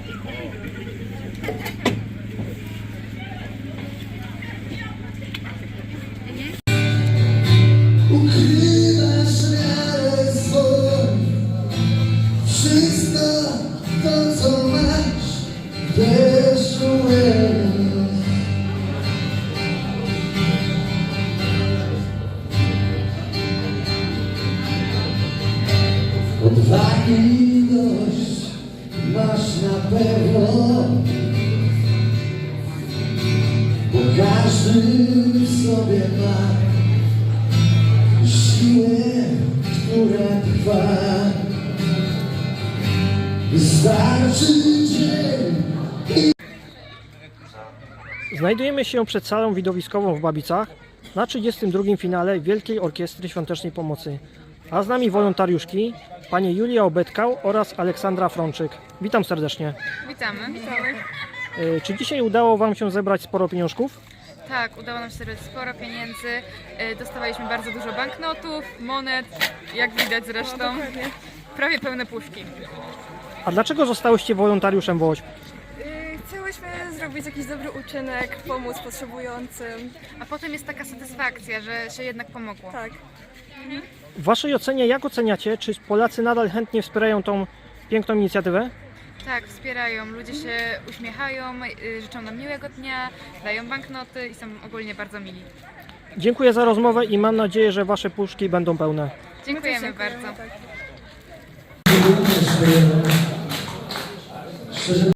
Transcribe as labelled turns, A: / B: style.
A: Ukrywasz miarę swój, wszystko to co masz, wiesz odwagi dość masz na pewno, bo każdy w sobie ma siłę, która trwa. Wystarczy dzień.
B: Znajdujemy się przed salą widowiskową w Babicach na 32. finale Wielkiej Orkiestry Świątecznej Pomocy. A z nami wolontariuszki, pani Julia Obetkał oraz Aleksandra Frączyk. Witam serdecznie.
C: Witamy.
B: Czy dzisiaj udało Wam się zebrać sporo pieniążków?
C: Tak, udało nam się zebrać sporo pieniędzy. Dostawaliśmy bardzo dużo banknotów, monet, jak widać zresztą. Prawie pełne puszki.
B: A dlaczego zostałyście wolontariuszem WOŚP?
D: Chciałyśmy zrobić jakiś dobry uczynek, pomóc potrzebującym.
C: A potem jest taka satysfakcja, że się jednak pomogło.
D: Tak.
B: W Waszej ocenie jak oceniacie, czy Polacy nadal chętnie wspierają tą piękną inicjatywę?
C: Tak, wspierają. Ludzie się uśmiechają, życzą nam miłego dnia, dają banknoty i są ogólnie bardzo mili.
B: Dziękuję za rozmowę i mam nadzieję, że Wasze puszki będą pełne.
C: Dziękujemy bardzo.
D: Tak.